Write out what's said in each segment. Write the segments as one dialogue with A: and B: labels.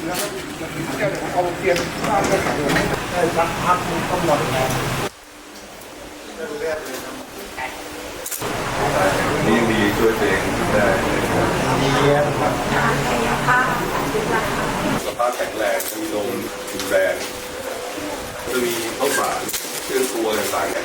A: เอาเตียงข้าวไปขายได้สักพักมันก็หมดแล้ว
B: นี่ยังดีช่วยตัวเองได้
A: ดีครับ
B: สภาพแข็งแรงมีลมมีแรงจะมีข้าวสารเครื่องครัวต่างๆ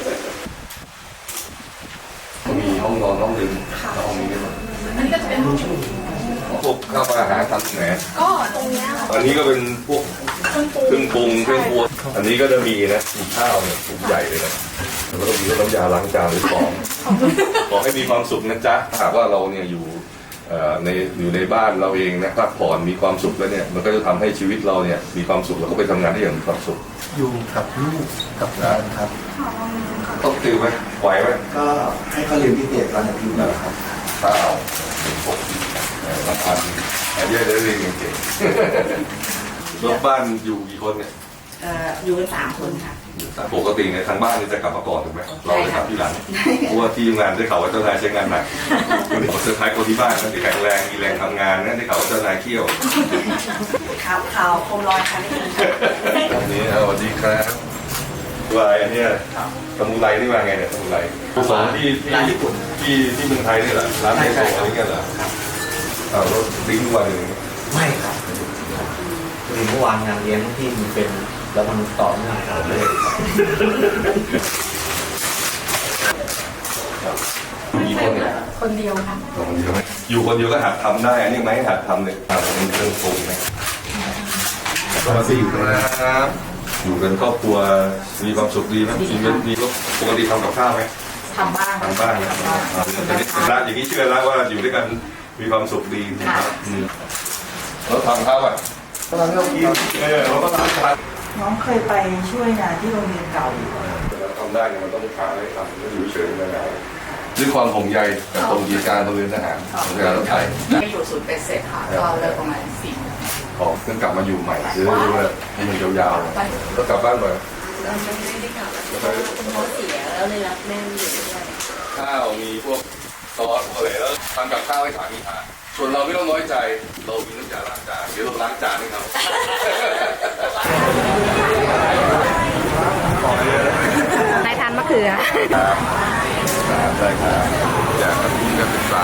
B: มีห้องนอนห้องดื่มห้องนี้ด้วย
C: อันนี้ก็จะเป็นห้อง
B: พวกข้าวอาหารทำแหน
C: ก็ตรงนี้
B: อันนี้ก็เป็นพวกเครื่องปรุงเครื่องครัวอันนี้ก็จะมีนะมีข้าวเนี่ยถุงใหญ่เลยนะแล้วก็มีน้ำยาล้างจานหรือของขอให้มีความสุขนะจ๊ะหากว่าเราเนี่ยอยู่ในบ้านเราเองนะพักผ่อนมีความสุขแล้วเนี่ยมันก็จะทำให้ชีวิตเราเนี่ยมีความสุขแล้วก็ไปทำงานได้อย่างมีความสุข
A: อยู่กับลูกกับหลานครับ
B: ต้องตื่นไหมไหวไหม
A: ก็ให้เขาเรียนพิเศษวันอาทิตย์นะครับ
B: ข้าวปกละพันเยอะเลยเรียนเก่งๆรถบ้านอยู่กี่คนเนี่ย
C: อยู่กัน3 คนค่ะ
B: ปกติเนี่ยทางบ้านนี่จะกลับมาก่อนถูกไหมเราจะกลับที่หลังเพราะว่าที่ทำงานได้ข่าวว่าเจ้านายใช้งานหนักเซอร์ไพรส์คนที่บ้านนะที่แข็งแรงมีแรงทำงานนะได้ข่าวว่าเจ้านายเที่ยว
C: ข่าวโคมลอยค่ะนี่
B: อันนี้สวัสดีครับลายอันนี้สมุไรนี่มาไงเนี่ยสมุไรสอนที่ญี่ปุ่นที่เมืองไทยนี่แหละร้านไทยโซอะไรกันเหรอรถดิ้งวันหนึ่ง
D: ไม่ครับคือเมื่อวานงานเลี้ยงที่มันเป็นแล้วมันต่อเนื่องกันเลย
B: มีคนเนี่ย
C: คนเดียวค่ะ
B: คนเดียวไหมอยู่คนเดียวก็หัดทำได้อันนี้ไหมหัดทำเลยเป็นเครื่องปรุงไหมสวัสดีครับอยู่กันครอบครัวมีความสุขดีไหมชีวิตมีปกติทำกับข้าวไหม
C: ทำบ้าง
B: นะครับแต่นี่ร้านอย่างนี้เชื่อแล้วว่าอยู่ด้วยกันมีความสุขดีนะครับเราทำข้าวอ่ะเราทำกินเราก็ทำ
E: น้องเคยไปช่วยงานที่โรงเรียนเก่าอยู่
B: ทำได้เนี่ยมันต้องทำให้ทำไม่อยู่เฉยๆไม่ได้ด้วยความห่วงใยกับตรงกิจการโรงเรียนทหารของการรถไฟ
C: ไปอยู่ศูนย์เป็นเสร็จค่ะก็เลิกประมาณ4
B: ของเพิ่งกลับมาอยู่ใหม่ซื้อด้วยให้มันยาวๆก็กลับบ้านไป
C: เราไม่ได้กลับเขาเสียแล้วเลยรับแม่อยู่ด้วย
B: ข้าวมีพวกซอสอะไรแล้วทำกับข้าวให้สามีทานส่วนเราไม่ต้องน้อยใจเรามีน้ำยาล้างจานเดี๋ยวเราล้างจานให้เขา
C: นายทานมะเขือ
B: ครับได้ครับอยากมีการศึกษา